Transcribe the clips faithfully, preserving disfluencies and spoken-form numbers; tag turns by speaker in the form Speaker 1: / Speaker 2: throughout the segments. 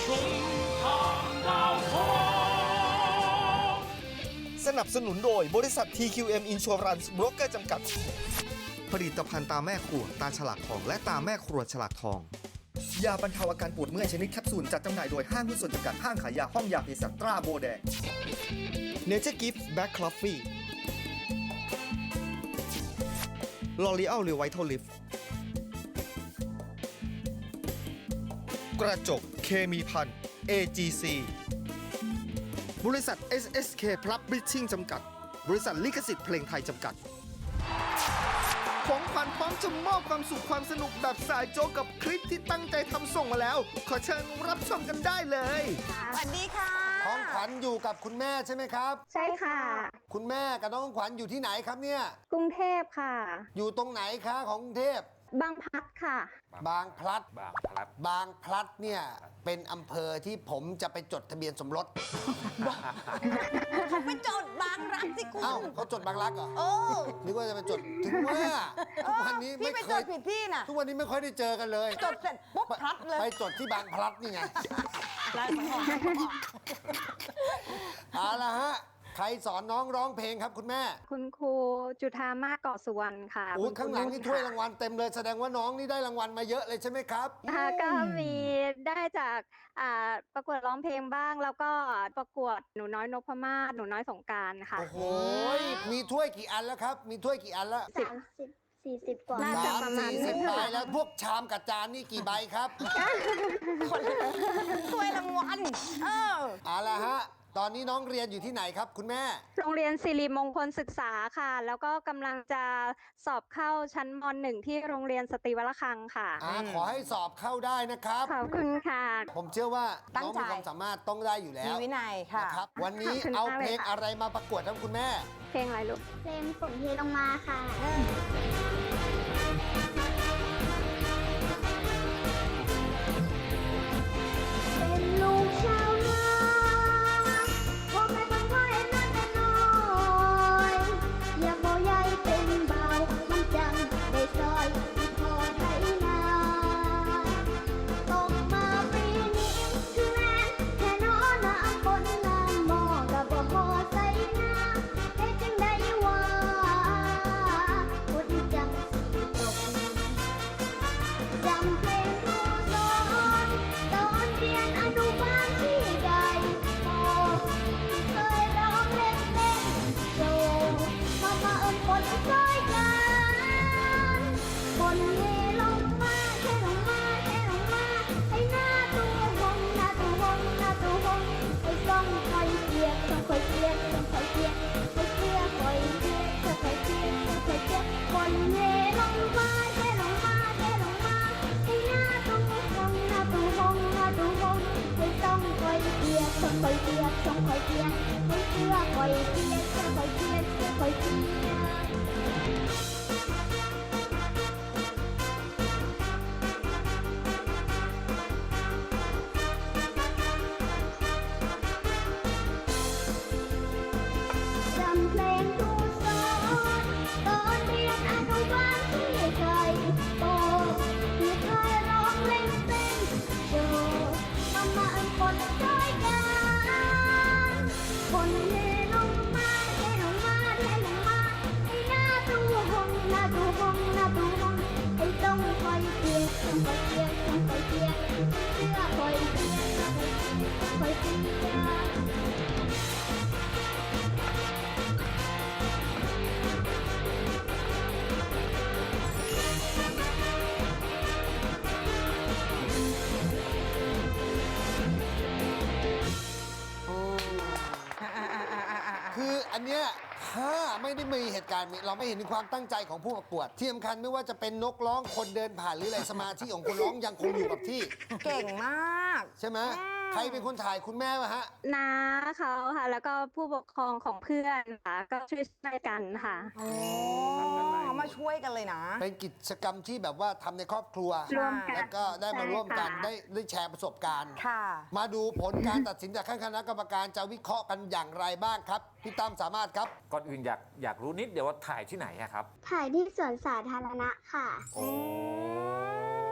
Speaker 1: สนับสนุนโดยบริษัท ที คิว เอ็ม Insurance Broker จำกัดผลิตภัณฑ์ตาแม่ครัวตาฉลากทองและตาแม่ครัวฉลากทองยาบรรเทาอาการปวดเมื่อยชนิดแคปซูลจัดจำหน่ายโดยห้างหุ้นส่วนจำกัดห้างขายยาห้องยาเภสัชตราโบแดง Nature Gift Black Coffee L'Oreal Revital Lift กระจกเคมีพัน เอ จี ซี บริษัท เอส เอส เค Publishing จำกัด บริษัทลิขสิทธิ์เพลงไทยจำกัด ของขวัญพร้อมจะมอบความสุขความสนุกแบบสายโจ๊กกับคลิปที่ตั้งใจทำส่งมาแล้ว ขอเชิญรับชมกันได้เลย
Speaker 2: สวัสดีค่ะ
Speaker 3: ของขวัญอยู่กับคุณแม่ใช่ไหมครับ
Speaker 4: ใช่ค่ะ
Speaker 3: คุณแม่กับน้องขวัญอยู่ที่ไหนครับเนี่ย
Speaker 4: กรุงเทพค่ะ
Speaker 3: อยู่ตรงไหนคะของกรุงเทพ
Speaker 4: บางพลัดค่ะ
Speaker 3: บางพลัด
Speaker 5: บางพลัด
Speaker 3: บางพลัดเนี่ยเป็นอำเภอที่ผมจะไปจดทะเบียนสมรส
Speaker 2: เขาไปจดบางรักสิคุณ
Speaker 3: เอ้าเขาจดบางรักเหรอ
Speaker 2: เออ
Speaker 3: นึกว่าจะไปจดถึงว่าทุกวันนี้
Speaker 2: พี่
Speaker 3: ไม่
Speaker 2: ไป
Speaker 3: เค
Speaker 2: จ
Speaker 3: ย
Speaker 2: ดผิดที่น่ะ
Speaker 3: ทุกวันนี้ไม่ค่อยได้เจอกันเลย
Speaker 2: จดเสร็จปุ๊บพลัดเลย
Speaker 3: ไปจดที่บางพลัดนี่ไง
Speaker 2: ไล่มาออก
Speaker 3: เอาละฮะใครสอนน้องร้องเพลงครับคุณแม่
Speaker 4: คุณครูจุธามาศเกาะสุวรรณค่ะ
Speaker 3: โอ้ย
Speaker 4: คุณครู
Speaker 3: ข้างหลังนี่
Speaker 4: ค่ะ
Speaker 3: ถ้วยรางวัลเต็มเลยแสดงว่าน้องนี่ได้รางวัลมาเยอะเลยใช่ไหมครับ
Speaker 4: ค่ะก็มีได้จากอ่าประกวดร้องเพลงบ้าง แล้วก็ประกวดหนูน้อยนพมาศหนูน้อยสงกรานต์ค่ะ
Speaker 3: โอ้โหมีถ้วยกี่อันแล้วครับ มีถ้วยกี่อันแล้ว
Speaker 4: สิบ
Speaker 6: สามสิบสี่สิบกว่า
Speaker 4: น่าจะ
Speaker 3: สาม
Speaker 4: ประมาณ
Speaker 3: สี่สิบ
Speaker 4: นี้
Speaker 3: ใบ
Speaker 4: ค่ะ
Speaker 3: แล้วพวกชามกับจานนี่กี่ใบครับ
Speaker 2: ถ้วยรางวัลเออ
Speaker 3: เอาละฮะ ตอนนี้น้องเรียนอยู่ที่ไหนครับคุณแม่
Speaker 4: โรงเรียนสิริมงคลศึกษาค่ะ แล้วก็กำลังจะสอบเข้าชั้นม หนึ่งที่โรงเรียนสตรีวรคังค่ะ
Speaker 3: อ่าขอให้สอบเข้าได้นะครับ
Speaker 4: ขอบคุณค่ะ
Speaker 3: ผมเชื่อว่า
Speaker 2: ตั้
Speaker 3: น้
Speaker 2: ง
Speaker 3: อง
Speaker 2: ใจ
Speaker 3: มีความสามารถต้องได้อยู่แล้
Speaker 2: มี
Speaker 3: ว
Speaker 2: วินัยค่ะ
Speaker 3: นะครับ วันนี้
Speaker 4: ขอบคุณ
Speaker 3: เอา
Speaker 4: มาก
Speaker 3: เพ
Speaker 4: เล
Speaker 3: ล
Speaker 4: ย
Speaker 3: ง
Speaker 4: ค่ะ
Speaker 3: อะไรมาประกวดครับคุณแม่
Speaker 4: เพลงอะไรลูก
Speaker 6: เพลงฝนเทลงมาค่ะ เป็นลูกชาวนาพ่อแม่คนพ่อเอ็นนั่นแต่น้อยอยากบ่ใหญ่เป็นเบามันจังได้ซอยที่พ่อไถนาตกมาปีนี้คือแม่แค่น้อน้ำฝนน้ำหม้อกับบ่พอใส่นาเฮ็ดจังได้ว่าฝนจังสิตก จำเพลงครูสอนตอนเรียนอนุบาลที่ใดพอเคยร้องเล่นเล่นโชว์มามาเอิญฝนซอยกันฝนเทลงมาเทลงมาเทลงมาให้หน้าตู้หงหน้าตู้หงหน้าตู้หงให้ส่องคอยเปียกส่องคอยเปียกส่องคอยเปียกคอยเปียกคอยเปียกส่องคอยเปียกส่องคอยเปียกฝนเทลงมาเทลงมาเทลงมาให้หน้าตู้หงหน้าตู้หงหน้าตู้หงให้ส่องคอยเปียกส่องคอยเปียกส่องคอยเปียกให้เสื้อคอยเปียกส่องคอยเปียกส่องคอยเปียก จำเพลงครูสอนตอนเรียนอนุบาลที่ไทยโตที่เคยร้องเล่นเต้นโชว์มามาอันฝนช่วยกันฝนเทลงมาเทลงมาเทลงมาให้หน้าตู้หงหน้าตู้หงหน้าตู้หงให้ต้องคอยเปียกต้องคอยเปียกต้องคอยเปียกเสื้อคอยเปียกคอยเปียก
Speaker 3: คืออันเนี้ยถ้าไม่ได้มีเหตุการณ์นี้เราไม่เห็นถึงความตั้งใจของผู้ประกวดที่สำคัญไม่ว่าจะเป็นนกร้องคนเดินผ่านหรืออะไรสมาธิของคนร้องยังคงอยู่กับที่
Speaker 2: เก่งมาก
Speaker 3: ใช่ไหมใครเป็นคนถ่ายคุณแม่วะฮะ
Speaker 4: น้าเขาค่ะ แล้วก็ผู้ปกครองของเพื่อนค่ะ ก็ช่วยๆกันค่ะ
Speaker 2: โอ้มาช่วยกันเลยนะ
Speaker 3: เป็นกิจกรรมที่แบบว่าทำในครอบครัว
Speaker 4: ร่วมกัน
Speaker 3: แล้วก็ได้มา
Speaker 4: ใช่
Speaker 3: ร่วมกัน
Speaker 4: ค่ะ
Speaker 3: ได้ได้แชร์ประสบการณ์
Speaker 2: ค่ะ
Speaker 3: มาดูผลการตัดสินจากคณะกรรมการจะวิเคราะห์กันอย่างไรบ้างครับพี่ตั้มสามารถครับ
Speaker 5: ก่อนอื่นอยากอยากรู้นิดเดียวว่าถ่ายที่ไหนอะครับ
Speaker 6: ถ่ายที่สวนสาธารณะค่ะ
Speaker 5: โอ้
Speaker 2: ในห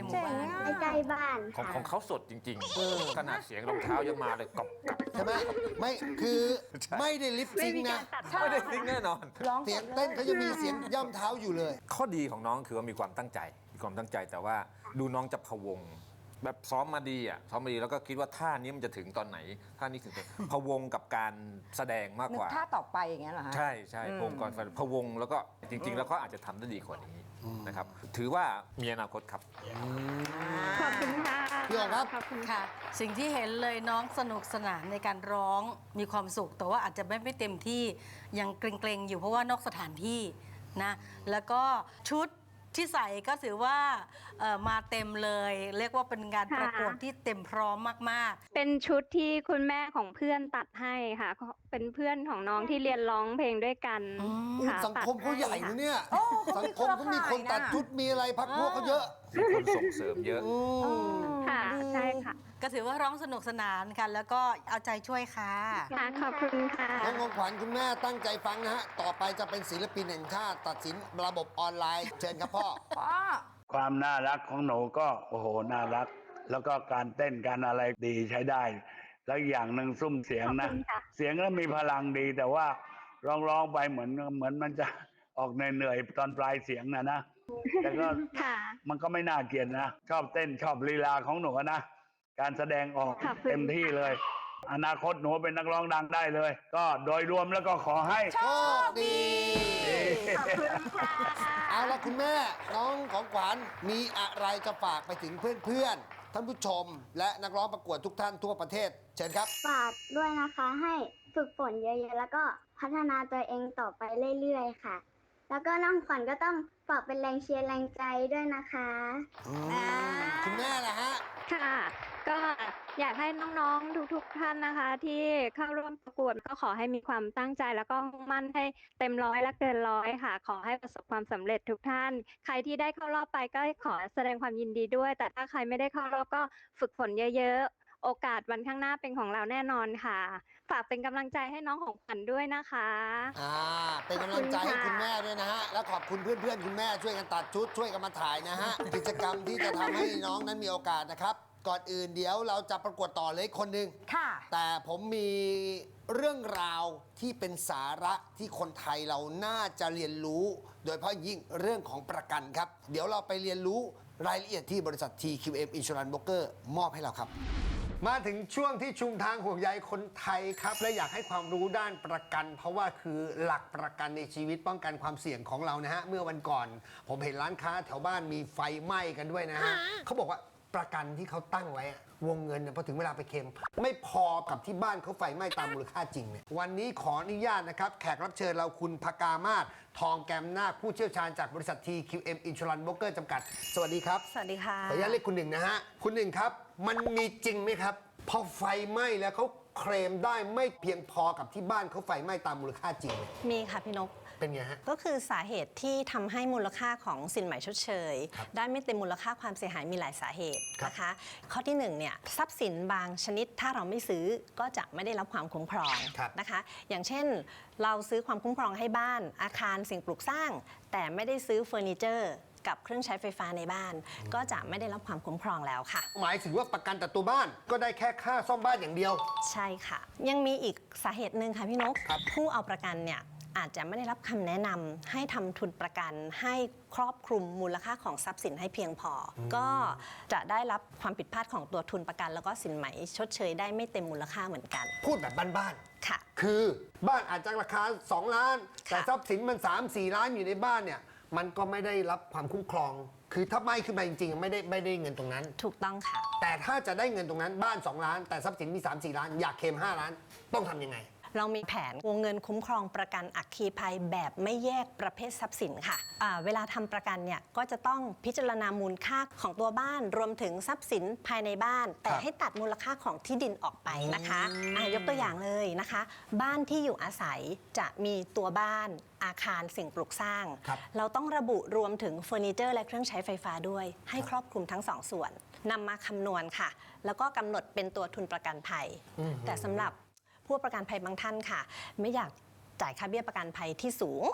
Speaker 2: เจ๋งอ่ะ
Speaker 6: ใกล้ๆบ้าน
Speaker 5: ของ
Speaker 6: ค่ะ
Speaker 5: ของเขาสดจริงๆ ขนาดเสียงรองเท้ายังมาเลยกรอบกรอบ
Speaker 3: ใช่ไหมไม่คือไม่ได้ลิป
Speaker 4: ไม่
Speaker 3: ซิง
Speaker 4: มี
Speaker 3: ค์
Speaker 4: กา
Speaker 3: นะ
Speaker 4: รตัด
Speaker 5: ไม่ได้ทิ้งแน่นอน
Speaker 2: ร้องส
Speaker 3: เสียง
Speaker 2: ดล
Speaker 3: เต้นเขาจะมีเสียงย่ำเท้าอยู่เลย
Speaker 5: ข้อดีของน้องคือว่ามีความตั้งใจ มีความตั้งใจแต่ว่าดูน้องจะพะวง แบบซ้อมมาดีอ่ะซ้อมมาดีแล้วก็คิดว่าท่านี้มันจะถึงตอนไหนท่านี้ถึงตอนพะวงกับการแสดงมาก
Speaker 2: นึ
Speaker 5: ก
Speaker 2: ก
Speaker 5: ว่า
Speaker 2: ท่าต่อไปอย่างเงี้ยเหรอฮะ
Speaker 5: ใช่ใช่
Speaker 2: อืม
Speaker 5: พะวงก่อนพะวงแล้วก็จริง ๆ แล้วก็อาจจะทำได้ดีกว่านี้นะครับถือว่ามีอนาคตครับ
Speaker 4: ขอบคุณค่ะ
Speaker 3: พี่อ๋องครับ
Speaker 4: ขอบคุณ
Speaker 7: ค่ะ สิ่งที่เห็นเลยน้องสนุกสนานในการร้องมีความสุข แต่ว่าอาจจะไม่ไม่เต็มที่ยังเกรงๆอยู่เพราะว่านอกสถานที่นะแล้วก็ชุดที่ใส่ก็ถือว่าเอ่อมาเต็มเลย เรียกว่าเป็นงาน
Speaker 4: ค่ะ
Speaker 7: ประกวดที่เต็มพร้อมมากๆ
Speaker 4: เป็นชุดที่คุณแม่ของเพื่อนตัดให้ค่ะ เป็นเพื่อนของน้องที่เรียนร้องเพลงด้วยกัน
Speaker 7: อืม
Speaker 4: ค่ะ
Speaker 3: สังคมเขาใหญ่
Speaker 4: ตัด
Speaker 3: นะเนี่ย
Speaker 2: โอ้เขา
Speaker 3: สั
Speaker 2: มี
Speaker 3: งคมเขามีคนตัด
Speaker 2: เครือข่ายนะ
Speaker 3: ชุดมีอะไรพักพวกเขาเยอะ
Speaker 5: มีคนส่งเสริมเยอะ
Speaker 3: อืม
Speaker 4: ค่ะ ใช่ค่ะ
Speaker 7: ก็ถือว่าร้องสนุกสนานกัน แล้วก็เอาใจช่วยค่ะ
Speaker 4: ค่ะ ขอบคุณค่ะ
Speaker 3: น้องของขวัญคุณแม่ตั้งใจฟังนะฮะ ต่อไปจะเป็นศิลปินแห่งชาติตัดสินระบบออนไลน์ เชิญครับพ่อ
Speaker 2: พ่อ
Speaker 8: ความน่ารักของหนูก็โอ้โหน่ารัก แล้วก็การเต้นการอะไรดีใช้ได้ แล้วอีกอย่างหนึ่งซุ้มเสียงนะ
Speaker 4: ขอบคุณค่ะ
Speaker 8: เสียงก็มีพลังดี แต่ว่าร้องร้องๆไปเหมือนเหมือนมันจะออกเหนื่อยๆตอนปลายเสียงนะนะ แต่ก็
Speaker 4: ค่ะ
Speaker 8: มันก็ไม่น่าเกลียดนะ ชอบเต้นชอบลีลาของหนูนะ การแสดงออก
Speaker 4: ขอบคุณ
Speaker 8: เต็มที่เลย อนาคตหนูเป็นนักร้องดังได้เลย ก็โดยรวมแล้วก็ขอให้
Speaker 3: โชคดี
Speaker 4: ขอบคุณค่ะ
Speaker 3: เอาละคุณแม่ น้องของขวัญมีอะไรจะฝากไปถึงเพื่อนๆ ท่านผู้ชม และนักร้องประกวดทุกท่านทั่วประเทศ เชิญครับ
Speaker 6: ฝากด้วยนะคะให้ฝึกฝนเยอะๆ แล้วก็พัฒนาตัวเองต่อไปเรื่อยๆ ค่ะ แล้วก็น้องขวัญก็ต้องฝากเป็นแรงเชียร์แรงใจด้วยนะคะ
Speaker 3: อืมคุณแม่ล่ะฮะ
Speaker 4: ค่ะ ก็อยากให้น้องๆ ทุกๆ ท่านนะคะ ที่เข้าร่วมประกวดก็ขอให้มีความตั้งใจแล้วก็มุ่งมั่นให้เต็มร้อยและเกินร้อยค่ะ ขอให้ประสบความสำเร็จทุกท่าน ใครที่ได้เข้ารอบไปก็ขอแสดงความยินดีด้วย แต่ถ้าใครไม่ได้เข้ารอบก็ฝึกฝนเยอะๆ โอกาสวันข้างหน้าเป็นของเราแน่นอนค่ะ ฝากเป็นกำลังใจให้น้องของขวัญด้วยนะคะ
Speaker 3: อ่า เป็นกำลังใจให้คุณแม่ด้วยนะฮะ และขอบคุณเพื่อนๆ คุณแม่ช่วยกันตัดชุดช่วยกันมาถ่ายนะฮะ กิจกรรมที่จะทำให้น้องนั้นมีโอกาสนะครับ ก่อนอื่นเดี๋ยวเราจะประกวดต่อเลยคนหนึ่ง
Speaker 2: ค่ะ
Speaker 3: แต่ผมมีเรื่องราวที่เป็นสาระที่คนไทยเราน่าจะเรียนรู้ โดยเฉพาะยิ่งเรื่องของประกันครับ เดี๋ยวเราไปเรียนรู้รายละเอียดที่บริษัท ที คิว เอ็ม Insurance Broker มอบให้เราครับ มาถึงช่วงที่ชุมทางห่วงใยคนไทยครับ และอยากให้ความรู้ด้านประกัน เพราะว่าคือหลักประกันในชีวิตป้องกันความเสี่ยงของเรานะฮะ เมื่อวันก่อน ผมเห็นร้านค้าแถวบ้านมีไฟไหม้กันด้วยนะฮะเขาบอกว่าประกันที่เขาตั้งไว้อะวงเงินเนี่ยพอถึงเวลาไปเคลมไม่พอกับที่บ้านเขาไฟไหม้ตามมูลค่าจริงเนี่ยวันนี้ขออนุญาตนะครับ แขกรับเชิญเราคุณพกามาศทองแกมนาคผู้เชี่ยวชาญจากบริษัท ที คิว เอ็ม Insurance Broker จำกัด สวัสดีครับ
Speaker 7: สวัสดีค่ะ
Speaker 3: ขออนุญาตเรียกคุณหนึ่งนะฮะ คุณหนึ่งครับ มันมีจริงไหมครับ พอไฟไหม้แล้วเขาเคลมได้ไม่เพียงพอกับที่บ้านเขาไฟไหม้ตามมูลค่าจริงเนี่ย
Speaker 9: มีค่ะพี่นก
Speaker 3: เป็นไงฮะ
Speaker 9: ก็คือสาเหตุที่ทำให้มูลค่าของสินไหมชดเชย
Speaker 3: ครับ
Speaker 9: ได้ไม่เต็มมูลค่าความเสียหายมีหลายสาเหตุ
Speaker 3: ครับ
Speaker 9: นะคะ ข้อที่หนึ่งเนี่ยทรัพย์สินบางชนิดถ้าเราไม่ซื้อก็จะไม่ได้รับความคุ้มครอง
Speaker 3: ครับ
Speaker 9: นะคะ อย่างเช่น เราซื้อความคุ้มครองให้บ้าน อาคารสิ่งปลูกสร้าง แต่ไม่ได้ซื้อเฟอร์นิเจอร์กับเครื่องใช้ไฟฟ้าในบ้าน ก็จะไม่ได้รับความคุ้มครองแล้วค่ะ
Speaker 3: หมายถึงว่าประกันแต่ตัวบ้านก็ได้แค่ค่าซ่อมบ้านอย่างเดียว
Speaker 9: ใช่ค่ะ ยังมีอีกสาเหตุหนึ่งค่ะพี่นก
Speaker 3: ครับ
Speaker 9: ผู้เอาประกันเนี่ยอาจจะไม่ได้รับคำแนะนำให้ทำทุนประกันให้ครอบคลุมมูลค่าของทรัพย์สินให้เพียงพออก็จะได้รับความผิดพลาดของตัวทุนประกัน แล้วก็สินไหมชดเชยได้ไม่เต็มมูลค่าเหมือนกัน
Speaker 3: พูดแบบบ้าน
Speaker 9: ค่ะ
Speaker 3: ๆคือบ้านอาจจะราคา สอง ล้าน แต่
Speaker 9: ค่ะ
Speaker 3: ทรัพย์สินมัน สาม สี่ ล้านอยู่ในบ้านเนี่ยมันก็ไม่ได้รับความคุ้มครอง คือถ้าไหม้ขึ้นมาจริงๆไม่ได้ไม่ได้เงินตรงนั้น
Speaker 9: ถูกต้องค่ะ
Speaker 3: แต่ถ้าจะได้เงินตรงนั้นบ้าน สอง ล้าน แต่ทรัพย์สินมี สาม สี่ ล้าน อยากเคลมห้า ล้าน ต้องทำยังไง
Speaker 9: เรามีแผนวงเงินคุ้มครองประกันอัคคีภัยแบบไม่แยกประเภททรัพย์สินค่ะอ่าเวลาทำประกันเนี่ยก็จะต้องพิจารณามูลค่าของตัวบ้านรวมถึงทรัพย์สินภายในบ้าน แต่ให้ตัดมูลค่าของที่ดินออกไปนะคะอ่ายกตัวอย่างเลยนะคะ บ้านที่อยู่อาศัยจะมีตัวบ้านอาคารสิ่งปลูกสร้าง
Speaker 3: ครับ
Speaker 9: เราต้องระบุรวมถึงเฟอร์นิเจอร์และเครื่องใช้ไฟฟ้าด้วย ให้ครอบคลุมทั้งสองส่วนนำมาคำนวณค่ะ แล้วก็กำหนดเป็นตัวทุนประกันภัย แต่สำหรับผู้ประกันภัยบางท่านค่ะ ไม่อยากจ่ายค่าเบี้ยประกันภัยที่สูง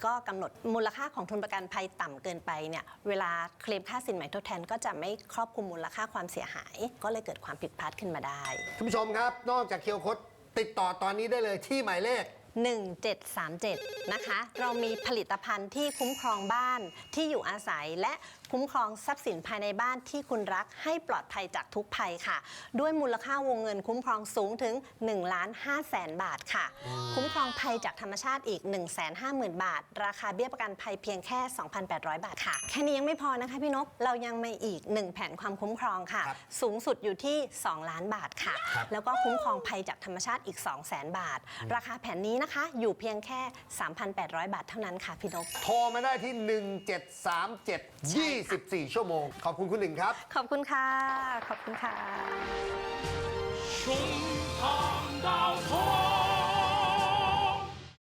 Speaker 9: ก็กำหนดมูลค่าของทุนประกันภัยต่ำเกินไปเนี่ยเวลาเคลมค่าสินใหม่ทดแทนก็จะไม่ครอบคลุมมูลค่าความเสียหาย ก็เลยเกิดความผิดพลาดขึ้นมาได้
Speaker 3: คุณผู้ชมครับ นอกจากเคียวคดติดต่อตอนนี้ได้เลยที่หมายเลข
Speaker 9: หนึ่งเจ็ดสามเจ็ด นะคะ เรามีผลิตภัณฑ์ที่คุ้มครองบ้านที่อยู่อาศัยและคุ้มครองทรัพย์สินภายในบ้านที่คุณรักให้ปลอดภัยจากทุกภัยค่ะ ด้วยมูลค่าวงเงินคุ้มครองสูงถึงหนึ่งล้านห้าแสนบาทค่ะ คุ้มครองภัยจากธรรมชาติอีก หนึ่งแสนห้าหมื่น บาท ราคาเบี้ยประกันภัยเพียงแค่ สองพันแปดร้อย บาทค่ะ แค่นี้ยังไม่พอนะคะพี่นก เรายังมีอีกหนึ่งแผนความคุ้มครองค่ะ
Speaker 3: ครับ
Speaker 9: สูงสุดอยู่ที่ สองล้านบาทค่ะ แล้วก็คุ้มครองภัยจากธรรมชาติอีก สองแสน บาท ราคาแผนนี้นะคะอยู่เพียงแค่ สามพันแปดร้อย บาทเท่านั้นค่ะพี่นก
Speaker 3: โทรมาได้ที่ หนึ่งเจ็ดสามเจ็ด ยี่สิบสี่ ชั่วโมง ขอบคุณคุณหนึ่งครับ
Speaker 9: ขอบคุณค่ะ ขอบคุณค่ะ
Speaker 10: 胸膛到头。